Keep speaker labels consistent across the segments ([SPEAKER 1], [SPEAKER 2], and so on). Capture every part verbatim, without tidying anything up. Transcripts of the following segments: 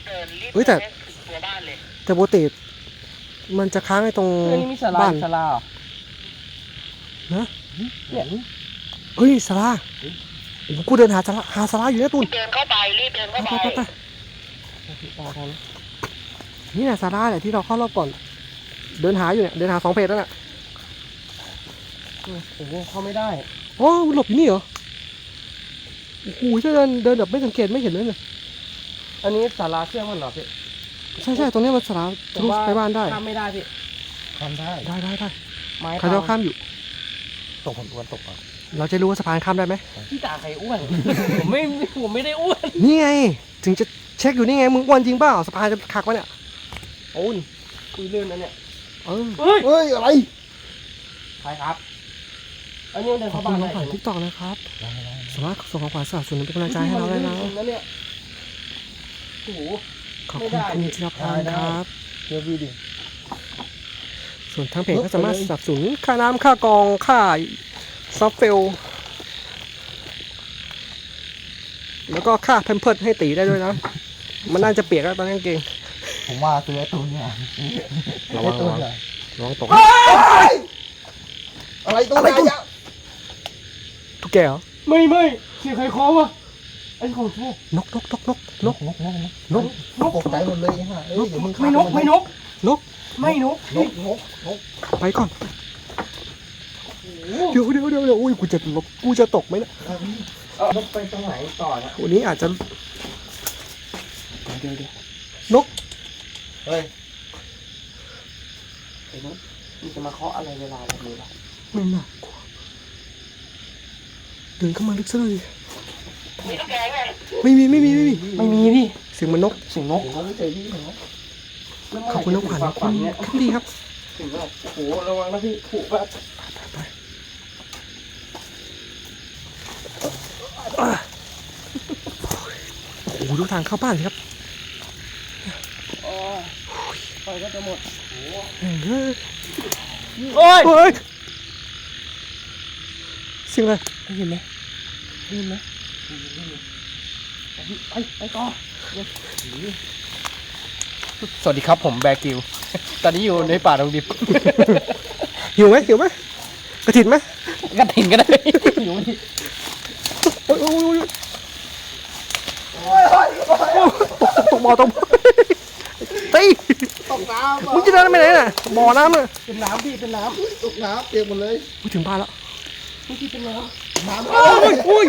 [SPEAKER 1] เฮ้ยแต่แต่โบเตมันจะค้างไอ้ตรงบ้าน
[SPEAKER 2] ศาลา
[SPEAKER 1] นะเนี่ยเฮ้ยศาลากูเดินหาศาลาหาศาลาอยู่นะตุน
[SPEAKER 3] เดินเข้าไปรีบเดินเข้าไป
[SPEAKER 1] ไปนี่แหละศาลาแหละที่เราเข้ารอบก่อนเดินหาอยู่เนี่ยเดินหาสองเพจแล้วน่ะ
[SPEAKER 2] โอ้โหเข้าไม่ได้
[SPEAKER 1] อ๋อหลบอยู่นี่เหรอโอ้โหถ้าเดินเดินแบบไม่สังเกตไม่เห็นเลยเนี่ย
[SPEAKER 2] อันนี้ศาลาเชื่อมกันเหรอพี่
[SPEAKER 1] ใช่ใช่ตรงนี้มันศาลาทะลุไปบ้านได้
[SPEAKER 2] ข้ามไม่ได้พี่ข้ามได้
[SPEAKER 1] ได้ได้ได้
[SPEAKER 2] ไม้
[SPEAKER 1] เขาจะข้ามอยู่
[SPEAKER 2] ตกผมอ้วนตกอ่ะ
[SPEAKER 1] เราจะรู้ว่าสะพานข้ามได้ไหม
[SPEAKER 2] พี่ตาใครอ้วนผมไม่ผมไม่ได้อ้วน
[SPEAKER 1] นี่ไงถึงจะเช็คอยู่นี่ไงมึงอ้วนจริงเปล่าสะพานจะขักวะเนี่ย
[SPEAKER 2] โอ้ยคุยเรื่องนั้นเนี่ย
[SPEAKER 1] เออเฮ้ยเฮ้ยอะไร
[SPEAKER 2] ใช่ครับอันนี้เดินเข้าบ้านได้
[SPEAKER 1] ผ่านทิกตอกนะครับสามารถส่งของขวัญสนับสนุนเป็นกำลังใจให้เราได้นะ
[SPEAKER 2] โอ้โห
[SPEAKER 1] ขอบคุณคุณจิรพันธ์ครับ
[SPEAKER 2] เดี๋ยววิดี
[SPEAKER 1] ส่วนทางเพจก็สามารถสนับสนุนค่าน้ำค่ากองค่าซอฟเฟลแล้วก็ค่าแพมเพิร์สให้ตีได้ด้วยนะมันน่าจะเปียกแล้วตอนนี้เก่ง
[SPEAKER 2] ผมว่าซื้อไอ้ตัวเนี้ย
[SPEAKER 1] ระวังระวังระวังตก
[SPEAKER 2] อะไรตัวไหนอ่ะ
[SPEAKER 1] ตุ๊กแกเหรอ
[SPEAKER 2] ไม่ไม่เสียงใครเคาะวะไอ้ของโชคน
[SPEAKER 1] กนกนกนกนกนกนกนก
[SPEAKER 2] นกตกใจหมดเลยฮะเอ้ยเดี๋ยวมึงไม่นกไม่นก
[SPEAKER 1] นก
[SPEAKER 2] ไม่นก
[SPEAKER 1] นกนกนกไปก่อนเดี๋ยวเดี๋ยวเดี๋ยวเดี๋ยวอุ้ยกูจะลบกูจะตกไหมเนี่ย
[SPEAKER 2] เออนกไปตรงไหนต่อเนี่ย
[SPEAKER 1] วันนี้อาจจะ
[SPEAKER 2] เดี๋ยวเดี๋ย
[SPEAKER 1] วนก
[SPEAKER 2] เฮ้ยไอ้นกมันจะมาเคาะอะไรเวลาแบบนี้ล่ะ
[SPEAKER 1] ไม่น่ากลัวเดินเข้ามาลึกซะเลยไม่มีไม่มีไม่มี
[SPEAKER 2] ไม่มีพี่
[SPEAKER 1] เสียงมันนก
[SPEAKER 2] เสียงนกไม่เจอพี่นก
[SPEAKER 1] ขอบคุณน้องขวัญคุณขึ้นดีครับ
[SPEAKER 2] ถึงแบบโอ้โหระวังนะพี่ผูกแบบ
[SPEAKER 1] ไปโอ้โหดูทางเข้าบ้านครับ
[SPEAKER 2] ไฟก็จะหมด
[SPEAKER 1] โอ้ยเสียงอะไร
[SPEAKER 2] ได้ยินไหมได้ยินไหมไปไปต่อสวัสดีครับผมแบกิวตอนนี้อยู่ในป่าดงดิบ
[SPEAKER 1] หิวไหมหิวไหมกระถิ่นไหม
[SPEAKER 2] กระถิ่นก็ได้หิวไหม
[SPEAKER 1] โอ้ยโอ้ยตกบ่อตกเฮ้ย
[SPEAKER 2] ตกน้ำ
[SPEAKER 1] มึงจะเดินไปไหนน่ะบ่อน้ำเลย
[SPEAKER 2] เป็นน้ำพี่เป็นน้ำตกน้ำเปียกหมดเลย
[SPEAKER 1] กูถึงบ้านแล้ว
[SPEAKER 2] เมื่อกี้เป็นน้ำน้ำ
[SPEAKER 1] โอ้ยโอ้ย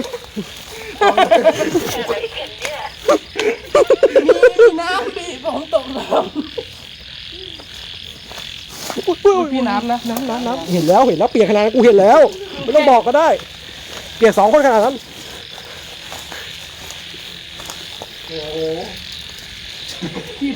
[SPEAKER 2] มีน้ำพี่ผมตกน้ำพี่น้ำนะ
[SPEAKER 1] น้ำน้ำน้ำเห็นแล้วเห็นแล้วเปียกขนาดนั้นกูเห็นแล้วไม่ต้องบอกก็ได้เปียกสองคนขนาดนั้น
[SPEAKER 2] โอ้โหพี่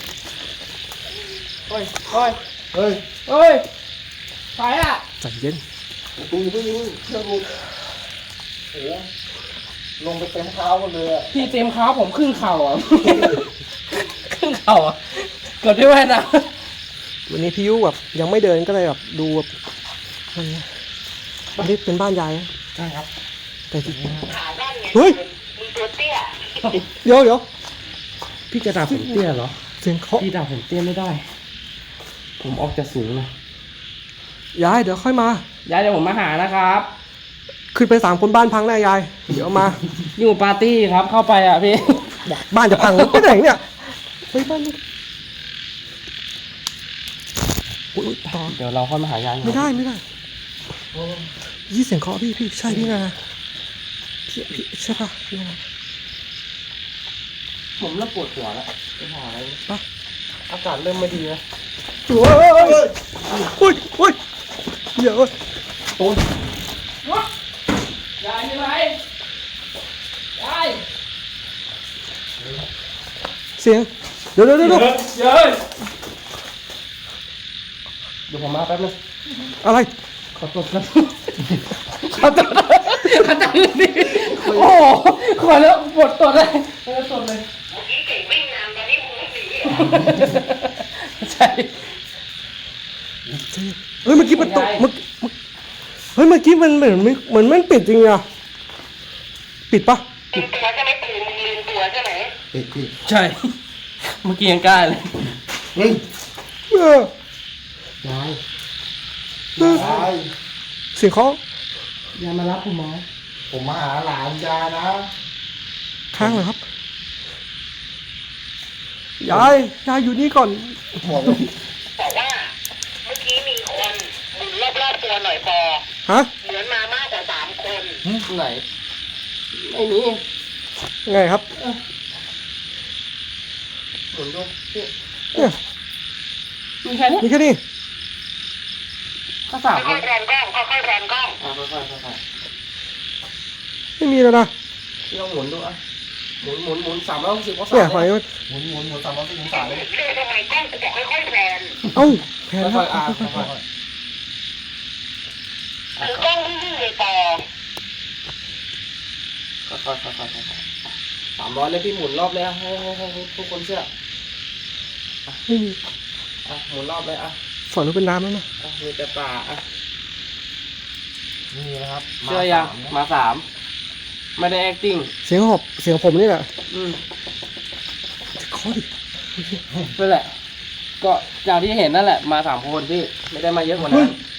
[SPEAKER 2] เฮ้ยเฮ้ยเฮ้ยเฮ้ยไปอ่ะ
[SPEAKER 1] ใจเย็น
[SPEAKER 2] กูอยู่เพิ่งอยู่เชื่อกูโอ้ลงไปเต็มเท้ากันเลยอ่ะพี่เต็มเท้าผมครึ่งเข่าอ่ะครึ่งเข่าอ่ะเกือบได้แว่นอ่ะ
[SPEAKER 1] วันนี้พี่ยุแบบยังไม่เดินก็เลยแบบดูแบบอะไรเงี้ยอันนี้เป็นบ้านยาย
[SPEAKER 2] ใช่ครับ
[SPEAKER 1] แต่จริงเฮ้ยเดี๋ยวเดี๋ยว
[SPEAKER 2] พี่จะด่าผมเตี้ยเหรอ
[SPEAKER 1] เสียงเคาะ
[SPEAKER 2] พี่ด่าผมเตี้ยไม่ได้ผมออกจะสูงนะ
[SPEAKER 1] ยายเดี๋ยวค่อยมาย
[SPEAKER 2] ายเดี๋ยวผมมาหานะครับ
[SPEAKER 1] ขึ้นไปสามคนบ้านพังแน่ยายเดี๋ยวมา
[SPEAKER 2] อยู่ปาร์ตี้ครับเข้าไปอ่ะพี่
[SPEAKER 1] บ้านจะพังไปไหนเนี่ยเฮ้ยบ้านอุ้ยต่อ
[SPEAKER 2] เดี๋ยวเราค่อยมาหายาย
[SPEAKER 1] ไม่ได้ไม่ได้ยี่เสียงเคาะพี่พี่ใช่พี่นะพี่พี่ใช่ป่ะพี่นะ
[SPEAKER 2] ผมเริ่มปวดหัวแล้วไปหาอะไร
[SPEAKER 1] ปะ
[SPEAKER 2] อากาศเริ่มไม่ดีแล้ว
[SPEAKER 1] โอ้ยโอ้ยโอ้ยโอ้ยเดี๋ยว
[SPEAKER 2] ตูนยายมีอะไรยาย
[SPEAKER 1] เสียงเดี๋ยวเดี๋ยวเดี๋ยวเดี๋ยว
[SPEAKER 2] เดี๋ยวผมมาแป๊บนึง
[SPEAKER 1] อะไร
[SPEAKER 2] ขอตรวจกันขอตรวจขอจังนี่โอ้ขอแล้วปวดตรวจเลยปวดตรวจเลยใช่
[SPEAKER 1] เฮ้ยเมื่อกี้มันตกเมื่อเฮ้ยเมื่อกี้มันเหมือนเหมือนมันปิดจริงอะปิดปะ
[SPEAKER 3] ปิดตัวใช่ไหมตื่นมึงลืมตัวใช่ไหม
[SPEAKER 2] ใช่เมื่อกี้ยังกล้าเลย
[SPEAKER 3] เฮ้ย
[SPEAKER 1] เออย
[SPEAKER 2] าย
[SPEAKER 3] ยาย
[SPEAKER 1] เสียงเคาะ
[SPEAKER 2] ยายมารับผมหมอ
[SPEAKER 3] ผมมาหาหลานยายนะ
[SPEAKER 1] ค้างเหรอครับยายยายอยู่นี่ก่อน
[SPEAKER 3] บอกเลย
[SPEAKER 4] บอกว่าเมื่อกี้มีคนหมุนรอบๆตัวหน่อยพอ
[SPEAKER 1] ฮะ
[SPEAKER 4] เหมือนมามากกว่าสามคน
[SPEAKER 2] ไหนไม่มี
[SPEAKER 1] ไงครับ
[SPEAKER 2] หมุนดูพี่
[SPEAKER 1] เนี่ย
[SPEAKER 2] มีแค่นี้
[SPEAKER 1] มีแค่นี้
[SPEAKER 2] ก็สามค
[SPEAKER 4] ค่อน ยๆแรนกล้องค่อยๆแรนกล้อง
[SPEAKER 2] อ่ะค่อยๆค่อย
[SPEAKER 1] ไม่มีแล้วนะ
[SPEAKER 2] ๆพี่ลองหมุนดูอ่ะหมุนหมุนหมุนสามร้อยหกสิบองศา
[SPEAKER 1] เนี่ยหอย
[SPEAKER 2] เลย
[SPEAKER 3] หมุนหมุนหมุนสามร้อยสิบองศาเลย
[SPEAKER 4] เรียกทำไมกล้องกูบอกค่อยๆแรน
[SPEAKER 1] เอ้าแพ้แล้ว
[SPEAKER 2] ค่อยๆอ่ะ
[SPEAKER 1] ค่อย
[SPEAKER 2] ค่อย
[SPEAKER 4] หรือกล้องนิ่งๆเลยปอ
[SPEAKER 2] ๆค่อยๆค่อยๆค่อยๆสามร้อยเลยพี่หมุนรอบเลยอ่ะให้ให้ให้ให้ทุกคนเชื่อ
[SPEAKER 1] ๆไม่มี
[SPEAKER 2] อ่ะหมุนรอบเลยอ่ะ
[SPEAKER 1] ฝั่งนู้นเป็นน้ำแล้วนะ
[SPEAKER 2] อ่ะมีแต่ป่าอ่ะ
[SPEAKER 3] นี่นะครับ
[SPEAKER 2] เชื่อยังมาสามไม่ได้ acting
[SPEAKER 1] เสียงหอบเสียงผมนี่แหละ
[SPEAKER 2] อืม
[SPEAKER 1] จะเคาะดิ
[SPEAKER 2] นั่นแหละ ก็อย่างที่เห็นนั่นแหละ มาสามคนพี่ไม่ได้มาเยอะกว่านั้น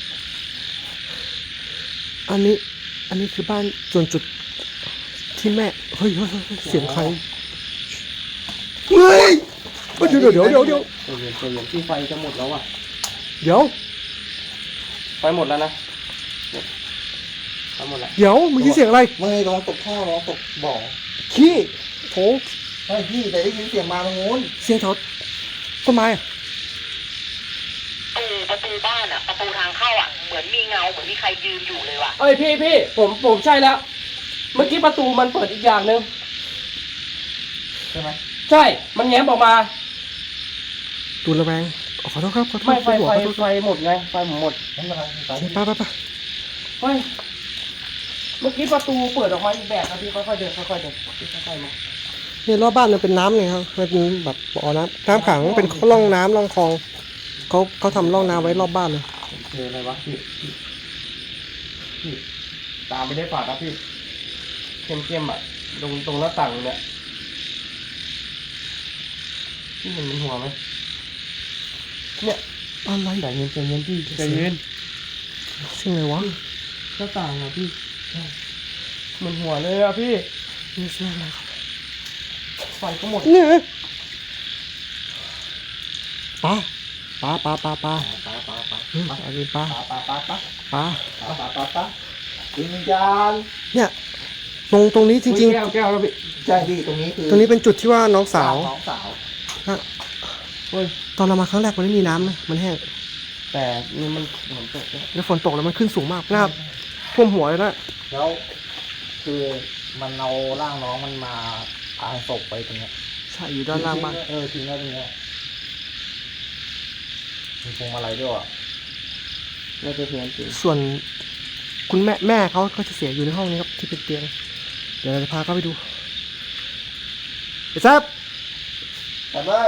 [SPEAKER 1] อันนี้ อันนี้คือบ้านส่วนจุดที่แม่เฮ้ยเฮ้ยเฮ้ยเฮ้ยเสียงใครเฮ้ยเดี๋ยวเดี๋ยวเดี๋ยวเดี๋ยว
[SPEAKER 2] ใจเย็นใจเย็นที่ไฟจะหมดแล้วอ่ะ
[SPEAKER 1] เดี๋ยว
[SPEAKER 2] ไฟหมดแล้วนะไฟหมดแล้ว
[SPEAKER 1] เดี๋ยวเมื่อกี้เสียงอะไร
[SPEAKER 3] ไม่ลองตกท่อลองตกบ่อ
[SPEAKER 1] ขี้โถ
[SPEAKER 3] ใช่พี่แต่ได้ยินเสียงมาตรงนู้น
[SPEAKER 1] เสียงแถวต้นไม้อะ
[SPEAKER 4] เออประตูบ้านอ่ะประตูทางเข้าอ่ะเหมือนมีเงาเหมือนมีใครยืนอยู่เลยว่ะ
[SPEAKER 2] เอ้ยพี่พี่ผมผมใช่แล้ว เมื่อกี้ประตูมันเปิดอีกอย่างหนึ่ง
[SPEAKER 3] ใช่ไหม
[SPEAKER 2] ใช่ มันแง้มออกมา
[SPEAKER 1] ตูนระแวงขอโทษครับขอโทษ
[SPEAKER 2] ไม่ไฟ
[SPEAKER 1] หัว
[SPEAKER 2] ไฟ
[SPEAKER 1] ขอโทษ
[SPEAKER 2] ไฟหมดไงไฟผมหมด
[SPEAKER 3] ไม่เป็นไรไป
[SPEAKER 1] ไปไปไป
[SPEAKER 2] เฮ้ยเมื่อกี้ประตูเปิดออกมาอีกแบบนะพี่ค่อยๆเดินค่อยๆเดินพี่ค่อยๆมา
[SPEAKER 1] เนี่ยรอบบ้านมันเป็นน้ำไงครับมันเป็นแบบบ่อน้ำน้ำขังเป็นร่องน้ำร่องคลองเขาเขาทำร่องน้ำไว้รอบบ้านเลย
[SPEAKER 2] เจออะไรวะพี่พี่พี่ตามไม่ได้ฝาดนะพี่เข้มๆอ่ะตรงตรงหน้าต่างเนี่ยพี่เห็นมันหัวไหมเนี่ย
[SPEAKER 1] อะไร
[SPEAKER 2] ใจเย็นใจเย็นพี่ใจเย็น
[SPEAKER 1] เสียงอะไรวะ
[SPEAKER 2] หน้าต่างอ่ะพี่มันหัวเลยอ่ะพี่
[SPEAKER 1] นี่เสียงอะไรครับ
[SPEAKER 2] ไฟก็หมด
[SPEAKER 1] เนี่ยปลาปลาปลาปลาปลา
[SPEAKER 3] ปาปาปา
[SPEAKER 1] อืมอันนี้ปลา
[SPEAKER 3] ปาปาปาปา
[SPEAKER 1] ปลา
[SPEAKER 3] ปาปาปาวิญญาณ
[SPEAKER 1] เนี่ยตรงตรงนี้จริง
[SPEAKER 2] แก้วแก้วแล้วพี่
[SPEAKER 3] ใช่พี่ตรงนี้คือ
[SPEAKER 1] ๆ ตรงนี้เป็นจุดที่ว่าน้องสาว
[SPEAKER 3] น้องสาว
[SPEAKER 2] เฮ้ย
[SPEAKER 1] ตอนเรามาครั้งแรกมันไม่มีน้ำนะมันแห้ง
[SPEAKER 2] แต่นี่มันฝนตกแล้ว
[SPEAKER 1] แล้วฝนตกแล้วมันขึ้นสูงมากหน้าท่วมหัวเลยนะ
[SPEAKER 3] แล้วคือมันเอาร่างน้องมันมาพาศพไปตรงเนี้ย
[SPEAKER 1] ใช่อยู่ด้านล่างบ้าน
[SPEAKER 3] เออทิ้งแล้วตรงเนี้ยมีพวงมาลัยด้วยอ่ะ
[SPEAKER 2] น่าจะเพี้ยนจริง
[SPEAKER 1] ส่วนคุณแม่แม่เขาก็จะเสียอยู่ในห้องนี้ครับที่เป็นเตียงเดี๋ยวเราจะพาเขาไปดูไอ้แซ่บ
[SPEAKER 3] แต่เลย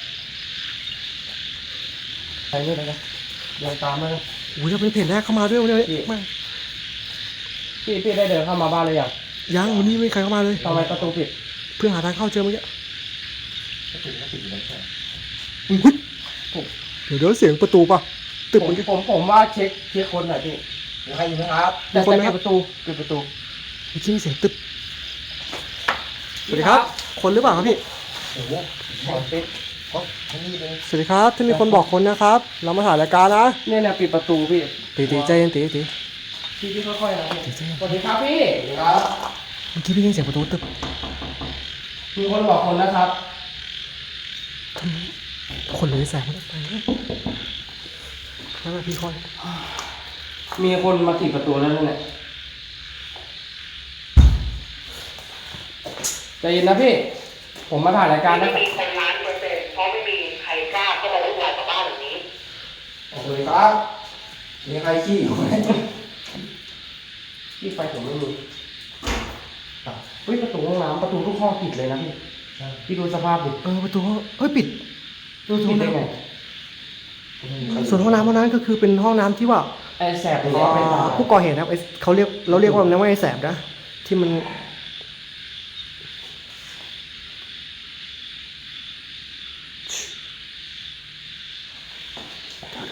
[SPEAKER 2] ใครนี่เลยนะเดินตามมาเลย
[SPEAKER 1] อุ้ยเราเป็นเพจแรกเข้ามาด้วยวันนี้
[SPEAKER 2] พี่
[SPEAKER 1] ไม่
[SPEAKER 2] พี่พี่ได้เดินเข้ามาบ้านเลยยัง
[SPEAKER 1] ยังวันนี้ไม่มีใครเข้ามาเลย
[SPEAKER 2] ทำไมประตูปิด
[SPEAKER 1] เพื่อหาทางเข้าเจอเมื่อกี้
[SPEAKER 3] ก็ติดก็ติดอยู่แล้วใช่
[SPEAKER 1] อุ๊ยเดี๋ยวเดี๋ยวเสียงประตูป่ะตึก
[SPEAKER 2] ผ
[SPEAKER 1] เหมื
[SPEAKER 2] ม
[SPEAKER 1] อนกัน
[SPEAKER 2] ผมผมว่าเช็คเช็คคนหน่อยพี่
[SPEAKER 3] มีใครอยู่ไหมครับ
[SPEAKER 2] แต่
[SPEAKER 1] มีคนไหม
[SPEAKER 2] แต่
[SPEAKER 1] ครับ
[SPEAKER 2] ปิดประตูปิดประตู
[SPEAKER 1] เมื่อกี้มีเสียงตึบสวัสดีครับ คนหรือเปล่าครับพี่
[SPEAKER 3] โอ้โหขอติดเขาที่นี่เลย
[SPEAKER 1] สวัสดีครับที่มีคนบอกคนนะครับ เรามาถ่ายรายการนะ
[SPEAKER 2] เนี่ยเนี่ยปิดประตูพี่
[SPEAKER 1] ตีตีใจเย็นตีตี
[SPEAKER 2] พี่พี่ค่อยๆนะพี่
[SPEAKER 1] ตีใจเย็น
[SPEAKER 2] สวัสดีครับพี่
[SPEAKER 3] ครับ
[SPEAKER 1] เมื่อกี้พี่ได้ยินเสียงประตูตึบ
[SPEAKER 2] มีคนบอกคนนะครับ
[SPEAKER 1] ทำไมคนเลยแสงมันไปแล้วพี่คอย
[SPEAKER 2] มีคนมาติดประตูแล้วนั่นแหละใจเย็นนะพี่ ผมมาถ่ายรายการ
[SPEAKER 4] ไม่
[SPEAKER 2] นะ
[SPEAKER 4] มีคนล้านเปอร์เซ็นต์เพราะไม่มีใครกล้าเข้ามาวุ่นวายกับบ้านหลังนี้
[SPEAKER 3] สวัสดีครับมีใครขี้อยู่ไหม
[SPEAKER 2] พี่ไฟผมไม่มีเฮ้ยประตูห้องน้ำประตูทุกห้องปิดเลยนะพี่พี่ดูสภาพดิ
[SPEAKER 1] เออประตูห้องเฮ้ยปิดประตู
[SPEAKER 2] ปิ
[SPEAKER 1] ห้
[SPEAKER 2] ด
[SPEAKER 1] อง
[SPEAKER 2] ได้
[SPEAKER 1] น้
[SPEAKER 2] ไง
[SPEAKER 1] ำส่วนห้องน้ำห้องนั้นก็คือเป็นห้องน้ำที่ว่า
[SPEAKER 2] ไอ้แสบอย่างเงี้ยไม่ตาย
[SPEAKER 1] ผู้ก่อเหตุนะครับไอ้เขาเรียกเราเรียกว่ามันว่าไอ้แสบนะที่มัน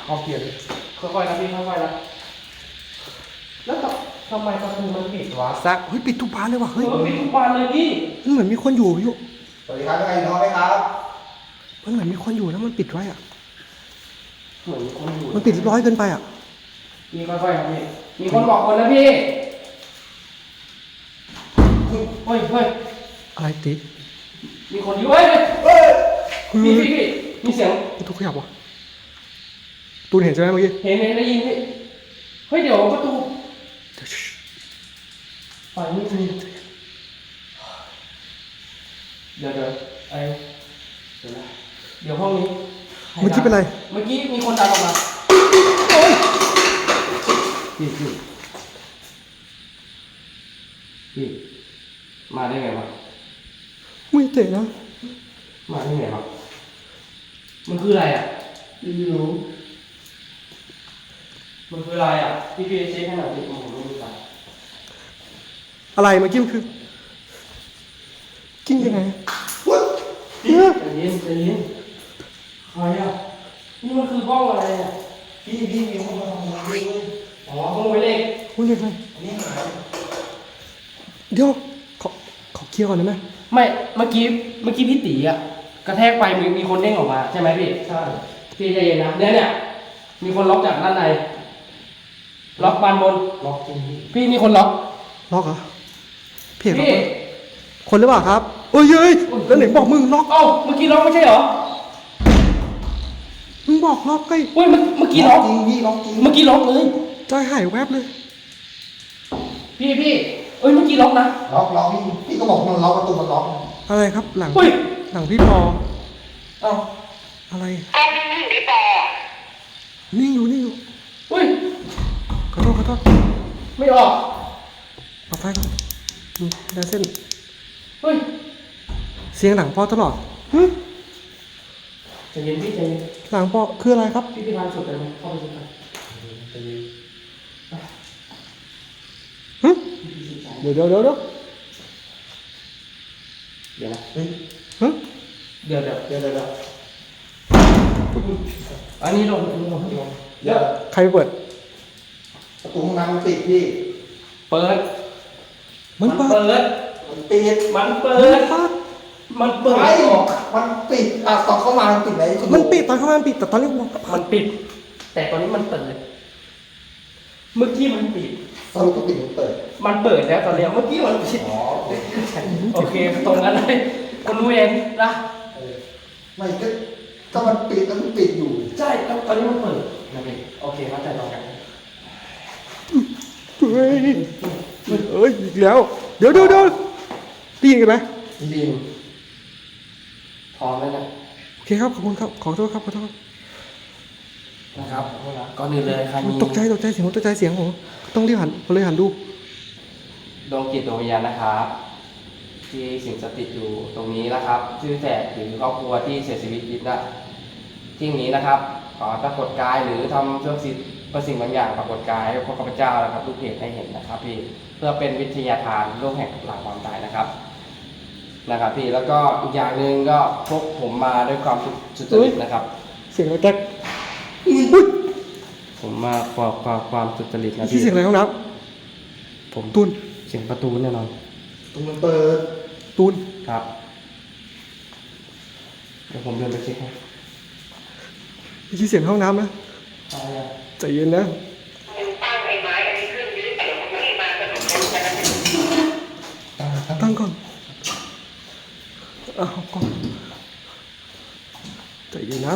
[SPEAKER 2] เอาเกียร์ค่อยๆนะพี่ค่อยๆนะแล้วทำไมประตูมันปิดวะ
[SPEAKER 1] ซักเฮ้ยปิดทุกบานเลยว่ะ
[SPEAKER 2] เฮ้
[SPEAKER 1] เฮ้
[SPEAKER 2] ย
[SPEAKER 1] ย
[SPEAKER 2] ปิดทุกบานเลยพี่
[SPEAKER 1] มันเหมือนมีคนอยู่อยู่
[SPEAKER 3] สวัสดีครับใครนอนไหมครับ
[SPEAKER 1] มันเหมือนมีคนอยู่แล้วมันปิดไว้อ่ะ
[SPEAKER 2] เหมือนมีคนอยู่
[SPEAKER 1] มันปิดเรียบร้อยเกินไปอ่ะ
[SPEAKER 2] พี่ค่อยๆครับพี่มีคนบอกคนนะพี่เฮ้ยเฮ้ย
[SPEAKER 1] อะไรติ
[SPEAKER 2] มีคนอยู่เฮ้ยเฮ้ยพี่พี่พี่มีเสียง
[SPEAKER 1] ประตูขยับวะตูนเห็นใช่ไหมเมื่อกี้
[SPEAKER 2] เห็นเห็นได้ยินพี่เฮ้ยเดี๋ยวประตู
[SPEAKER 1] เดี๋ยวชิ
[SPEAKER 2] ไฟไม่มีเดี๋ยวเดี๋ยวไอเดี๋ยวนะเดี๋ยวห้องนี้
[SPEAKER 1] เมื่อกี้เป็นไร
[SPEAKER 2] เมื่อกี้มีคนดันออกมาพี่พี่พี่มาได้ไงวะ
[SPEAKER 1] ไม่เตะนะ
[SPEAKER 2] มาได้ไงวะมันคืออะไรอ่ะไม่รู้มันคืออะไรอ่ะพี่พี่เช็คให้หน่อยดิผมไม่รู้จัก
[SPEAKER 1] อะไรเมื่อกี้มันคือกิ้งยังไง
[SPEAKER 2] พี่ใจเย็นใจเย็นใครอ่ะนี่มันคือห้องอะไรอ่ะ
[SPEAKER 3] พี่พี่มีคนมาทำงานด้วย
[SPEAKER 2] อ๋อห้องไว้เลข
[SPEAKER 1] คุณยังไง
[SPEAKER 3] อันนี้หาย
[SPEAKER 1] เดี๋ยวขอขอเคลียร์ก่อนได้ไหม
[SPEAKER 2] ไม่เมื่อกี้เมื่อกี้พี่ตีอ่ะกระแทกไปมีมีคนเด้งออกมาใช่ไหมพี่ใช่พี่ใจเย็นนะเนี่ยเนี่ยมีคนล็อกจากด้านในล็อกบานบน
[SPEAKER 3] ล็อกจริงพี่
[SPEAKER 2] พี่มีคนล็อก
[SPEAKER 1] ล็อกเหรอเพียงล็อก
[SPEAKER 2] พี่
[SPEAKER 1] เหรอคนหรือเปล่าครับเอ้ยเอ้ยแล้วไหนบอกมึงล็อก
[SPEAKER 2] เอ้าเมื่อกี้ล็อกไม่ใช่เหรอ
[SPEAKER 1] มึงบอกล็อกไง
[SPEAKER 2] เฮ้ยเมื่อเมื่อกี้ล็อก
[SPEAKER 3] จริงพี่ล็อกจริง
[SPEAKER 2] เมื่อกี้ล็อกเลย
[SPEAKER 1] ใจหายแวบเลย
[SPEAKER 2] พี่พี่เอ้ยเมื่อกี้ล็อกนะ
[SPEAKER 3] ล็อกล็อกพี่พี่ก็บอกมันล็อกประตูมันล็อก
[SPEAKER 1] อะไรครับหลัง
[SPEAKER 2] เฮ้ย
[SPEAKER 1] หลังพี่ปอ
[SPEAKER 3] เอ้า
[SPEAKER 1] อะไร
[SPEAKER 4] กล้องนิ่งๆพี่ปอ
[SPEAKER 1] นิ่งอยู่นิ่งอยู่
[SPEAKER 2] เฮ้ย
[SPEAKER 1] ขอโทษขอโทษ
[SPEAKER 2] ไม่ออก
[SPEAKER 1] ปรับไฟก่อนอืมได้เส้น
[SPEAKER 2] เฮ้ย
[SPEAKER 1] เสียงหลังปอตลอดหึ
[SPEAKER 2] ใจเย็นพี่ใจเย็น
[SPEAKER 1] หลังปอคืออะไรครับ
[SPEAKER 2] พี่พี่พานสุดเลยไหมเข้าไปสุดกัน
[SPEAKER 1] หึเดี๋ยวเดี๋ยวเดี๋ยวเดี๋ยว
[SPEAKER 2] เดี๋ยวนะ
[SPEAKER 3] เฮ้ย
[SPEAKER 1] หึ
[SPEAKER 2] เดี๋ยวเดี๋ยว
[SPEAKER 3] เดี๋ยวเดี๋ยวเดี๋ยว
[SPEAKER 2] อันนี้ลงอันนี้ลงลง
[SPEAKER 3] เดี๋ยว
[SPEAKER 1] ใครไปเปิด
[SPEAKER 3] ประตูห้องน้ำมันปิดพี่
[SPEAKER 2] เปิด
[SPEAKER 1] มันเปิด
[SPEAKER 2] เปิด
[SPEAKER 3] มันปิด
[SPEAKER 2] มันเปิ
[SPEAKER 1] มัน
[SPEAKER 2] ด
[SPEAKER 1] เปิด
[SPEAKER 2] มันเปิด
[SPEAKER 3] ไม่
[SPEAKER 2] ออก
[SPEAKER 3] มันปิดอ่ะตอนเข้ามามันปิดไหน
[SPEAKER 1] มันปิดตอนเข้ามามันปิดแต่ตอนนี้ผม
[SPEAKER 2] มันปิด แต่ตอนนี้มันเปิด เมื่อกี้มันปิด
[SPEAKER 3] สรุปก็ปิดหรือเปิด
[SPEAKER 2] มันเปิดแล้วตอนเนี้ยเมื่อกี้มันปิด
[SPEAKER 3] อ๋อ
[SPEAKER 2] โอเคตรงนั้นเลยคนรู้เองนะ
[SPEAKER 3] เออไม่ก็ก็มันปิดแล้วมันปิดอยู่
[SPEAKER 2] ใช่แล้วตอนนี้มันเปิดนะพี่โอเคเข้าใจตรงกัน
[SPEAKER 1] เฮ้ยเอ้ยอีกแล้ว เดี๋ยวเดี๋ยวเดี๋ยวได้ยินกันไหม
[SPEAKER 2] ดีมพร้อมแล้วนะ
[SPEAKER 1] โอเคครับขอบคุณครับขอโทษครับขอโทษ
[SPEAKER 2] นะครับก่อนอื่นเลยใครมี
[SPEAKER 1] ตกใจตกใจเสียงผมตกใจเสียงผมต้องรีบหันผมเลยหันดู
[SPEAKER 2] ดวงจิตดวงวิญญาณนะครับ ที่สิงสถิตอยู่ตรงนี้นะครับ ชื่อแสบหรือครอบครัวที่เสียชีวิตยิบนะที่นี้นะครับขอปรากฏกายหรือทำเรื่องสิ่งประสิ่งบางอย่างปรากฏกายให้พวกข้าพเจ้านะครับทุกเพจให้เห็นนะครับพี่เพื่อเป็นวิทยาทานโลกแห่งหลังความตายนะครับนะครับพี่แล้วก็อีกอย่างหนึ่งก็พกผมมาด้วยความสุจริตนะครับ
[SPEAKER 1] เสียงอะไรแก๊ก
[SPEAKER 2] ผมมาความความความสุจริตนะ
[SPEAKER 1] ที่
[SPEAKER 2] พี่
[SPEAKER 1] เสียงอะไรห้องน้
[SPEAKER 2] ผม
[SPEAKER 1] ำตูน
[SPEAKER 2] เสียงประตูแน่นอน
[SPEAKER 3] ตรงมันเปิด
[SPEAKER 1] ตูน
[SPEAKER 2] ครับเดี๋ยวผมเดินไปเช็คให้
[SPEAKER 1] ที่เสียงห้องน้ำนะ
[SPEAKER 2] อะไรอะ
[SPEAKER 1] ใจเย็นนะ
[SPEAKER 4] มึงตั้งไอ้ไม้อันนี้ขึ้นยืดเดี๋ยวมึงไม่มาสนุกกันกันนะ
[SPEAKER 1] ตั้งก่อนเอาก่อนใจเย็นนะ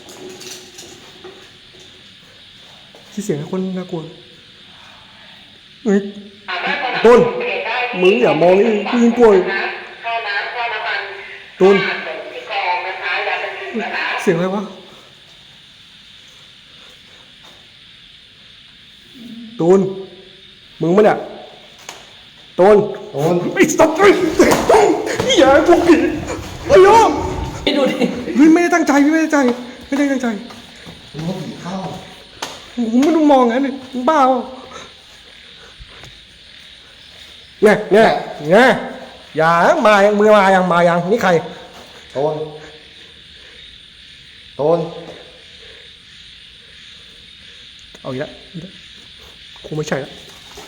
[SPEAKER 1] ที่เสียงคนน่ากลัวเฮ้ย ต้นมึงอย่ามองนี่กูยังกลัวอยู่
[SPEAKER 4] ข้าวน้ำข้าวน้ำมัน
[SPEAKER 1] ตูน
[SPEAKER 4] ข้าวส่งที่กองนะคะยาเป็นถึงนะคะ
[SPEAKER 1] เสียงอะไรวะตูนมึงมั้ยเนี่ยตูน
[SPEAKER 3] โดน
[SPEAKER 1] ไอ้สัตว์ไอ้อย่าพวกผีไอ้โยม
[SPEAKER 2] พี่ดูดิ
[SPEAKER 1] พี่ไม่ได้ตั้งใจพี่ไม่ได้ตั้งใจไม่ได้ตั้งใจ
[SPEAKER 3] มันก็ผีเข้า
[SPEAKER 1] ผมไม่ต้องมองงั้นเลยมึงบ้าเปล่าเนี่ยเนี่ยเนี่ยอย่ามายังมือมายังมายังนี่ใคร
[SPEAKER 3] โดนโดน
[SPEAKER 1] เอาอีกแล้วคงไม่ใช่แล้ว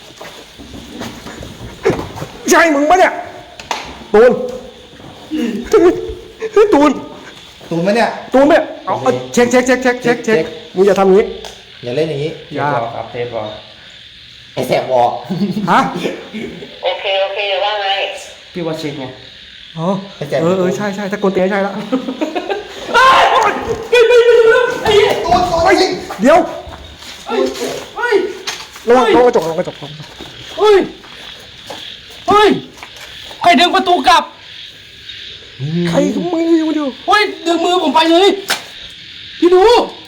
[SPEAKER 1] ใช่มึงปะเนี่ยตูน ตูน
[SPEAKER 3] ตูนไหมเนี่ย
[SPEAKER 1] ตูนเนี่ยเอาเอาเช็คเช็คเช็คเช็คเช็คเช็คมึงอย่าทำอย่างนี้
[SPEAKER 3] อย่าเล่นอย่างนี้
[SPEAKER 2] เทสบอลครับเทสบอล
[SPEAKER 3] ไอ้แสบวอ
[SPEAKER 1] ฮะ
[SPEAKER 4] โอเคโอเคว่าไง
[SPEAKER 2] พี่ว่าเช็คไง
[SPEAKER 1] อ๋อเออเออใช่ใช่ถ้ากวนเตียงใช่แล้ว
[SPEAKER 3] ตูนตูนยิง
[SPEAKER 1] เดี๋ยว
[SPEAKER 2] เฮ้ยเฮ้ย
[SPEAKER 1] ระวังระวังกระจกระวังกระจก
[SPEAKER 2] เฮ้ยเฮ้ยใครดึงประตูกลับ
[SPEAKER 1] ใครก็มึงอยู่เดียว
[SPEAKER 2] เฮ้ยดึงมือผมไปเลยพี่ดู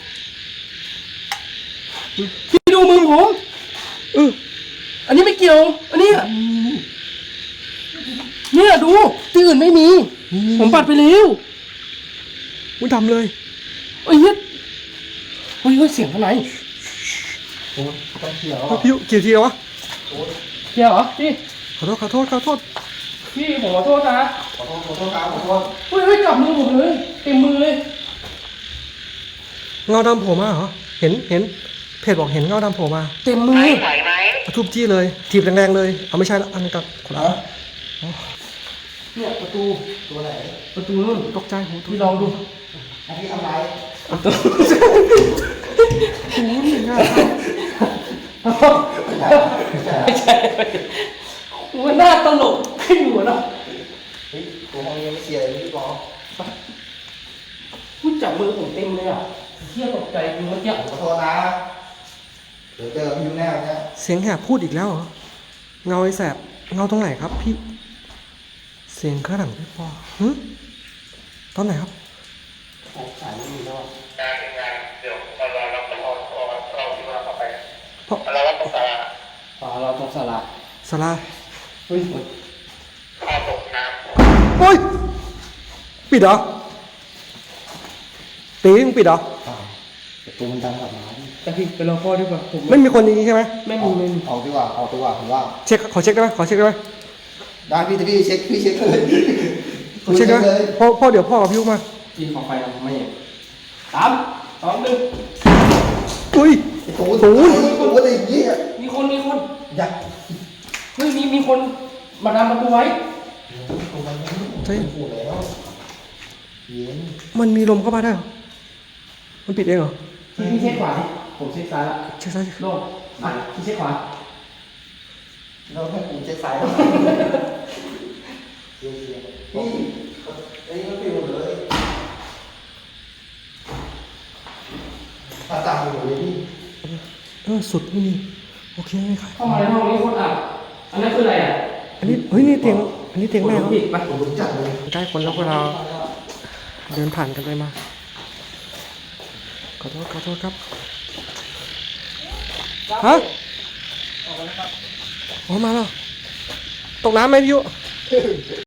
[SPEAKER 2] พี่ดูมือผม
[SPEAKER 1] เออ
[SPEAKER 2] อันนี้ไม่เกี่ยว อันนี้เนี่ยดูที่อื่นไม่มี ผมปัดไปแล้ว
[SPEAKER 1] มึงทำเลย
[SPEAKER 2] เฮ้ยเฮ้ยเฮ้ยเฮ้ยเสียงอะไร
[SPEAKER 3] ตูนต้องเขียว
[SPEAKER 1] เอาพี่ยุกี่ทีแล้ววะ
[SPEAKER 2] เกี่ยวเหรอพี่
[SPEAKER 1] ขอโทษขอโทษขอโทษ
[SPEAKER 2] พี่ผมขอโทษนะ
[SPEAKER 3] ขอโทษขอโทษครับขอโทษ
[SPEAKER 2] เฮ้ยเฮ้ยจับมือผมเลยเต็มมือเลย
[SPEAKER 1] เงาดำโผล่มาเหรอเห็นเห็นเพจบอกเห็นเงาดำโผล่มา
[SPEAKER 2] เต็มมือ
[SPEAKER 4] ไหวไหวไหม
[SPEAKER 1] เอาทุบจี้เลยถีบแรงๆเลยเอาไม่ใช่ละอันนั้นกับคนละ
[SPEAKER 2] เนี่ยประตู
[SPEAKER 3] ตัวไหน
[SPEAKER 2] ประตูนู่น
[SPEAKER 1] ตกใจโห
[SPEAKER 2] พี่ลองดู
[SPEAKER 3] อันนี้ทำไร
[SPEAKER 2] ประตู
[SPEAKER 1] โอ้ยง่าย
[SPEAKER 2] ไม่ใช่มันน่าตลกขึ้นหัวเนาะ
[SPEAKER 3] เฮ้ยตัวห้องนี้ไม่เชียร์เลยพี่บอล
[SPEAKER 2] พูดจับมือผมเต็มเลยอ่ะเที่ยตกใจกูเมื่อกี้
[SPEAKER 3] ขอโทษนะ เดี๋ยวเจอพี่แน่เนี่ย
[SPEAKER 1] เสียงแหบพูดอีกแล้วเหรอเงาไอ้แสบเงาตรงไหนครับพี่เสียงข้างหลังพี่ปอหึตอนไหนครับ
[SPEAKER 2] สายไม่มีแล้ว
[SPEAKER 4] งานงานเดี๋ยวเราเราเราเราเราที่ว่าเข้าไป
[SPEAKER 1] เพราะ
[SPEAKER 4] เราเราต้องสาระ
[SPEAKER 2] อ๋อเราตรงสาระ
[SPEAKER 1] สลา
[SPEAKER 2] เฮ้ย
[SPEAKER 4] พาตกน้
[SPEAKER 1] โอ้ยปิดเหรอตีมึงปิดเหรอ
[SPEAKER 3] ประตูมันดังกลับมา
[SPEAKER 2] แต่พี่ไปรอพ่อดีกว่าผม
[SPEAKER 1] ไม่มีคนอย่างนี้ใช่ไหม
[SPEAKER 2] ไม่มีไม่มี
[SPEAKER 3] ออกดีกว่าออกดีกว่าผมว่า
[SPEAKER 1] เช็คขอเช็คได้ไหมขอเช็คได้ไหม
[SPEAKER 3] ได้พี่แต่พี่เช็คพี่เช็คเลย
[SPEAKER 1] ขอเช็คได้ไหม
[SPEAKER 3] เลย
[SPEAKER 1] พ่อพ่อเดี๋ยวพ่อกับพี่ยุมา
[SPEAKER 2] พี่ขอไฟนะไม่เห็นสามสองหนึ่ง
[SPEAKER 1] อุ้ย
[SPEAKER 3] ไอ้ตูน
[SPEAKER 1] ตูน
[SPEAKER 3] ตูนอะไรอย่างเงี้ย
[SPEAKER 2] มีคนมีคน
[SPEAKER 3] อยาก
[SPEAKER 2] เฮ้ยมีมีคนมาดามประตูไว้
[SPEAKER 3] ตูนมันไม่
[SPEAKER 1] ใช่
[SPEAKER 3] พูดแล้วเย็น
[SPEAKER 1] มันมีลมเข้ามาได้เหรอมันปิดเองเหรอ
[SPEAKER 2] พี่พี่เช็คขวาดิผมเช็คซ้ายละ
[SPEAKER 1] เช็คซ้าย
[SPEAKER 2] โล่งอ่ะพี่เช็คขวา
[SPEAKER 3] เราให้กูเช็คซ้ายเชียร์เชียร์นี่ไอ้นี่มันปิวเลยตาตาอยู่เลยพี่
[SPEAKER 1] เออสุดไม่มีโอเคไม่ค่ะ
[SPEAKER 2] เข้ามาในห้องนี้คนอ่ะอันนั้นคืออะไรอ่ะ
[SPEAKER 1] อันนี้เฮ้ยนี่เตียงอันนี้เตียงแม่เขา
[SPEAKER 2] ผิดปะ
[SPEAKER 3] ผมรู้จักเลย
[SPEAKER 1] ใกล้คนแล้วเวลาเดินผ่านกันไปมาขอโทษขอโทษครับฮะออกมาแล้วตกน้ำไหมพี่ยุ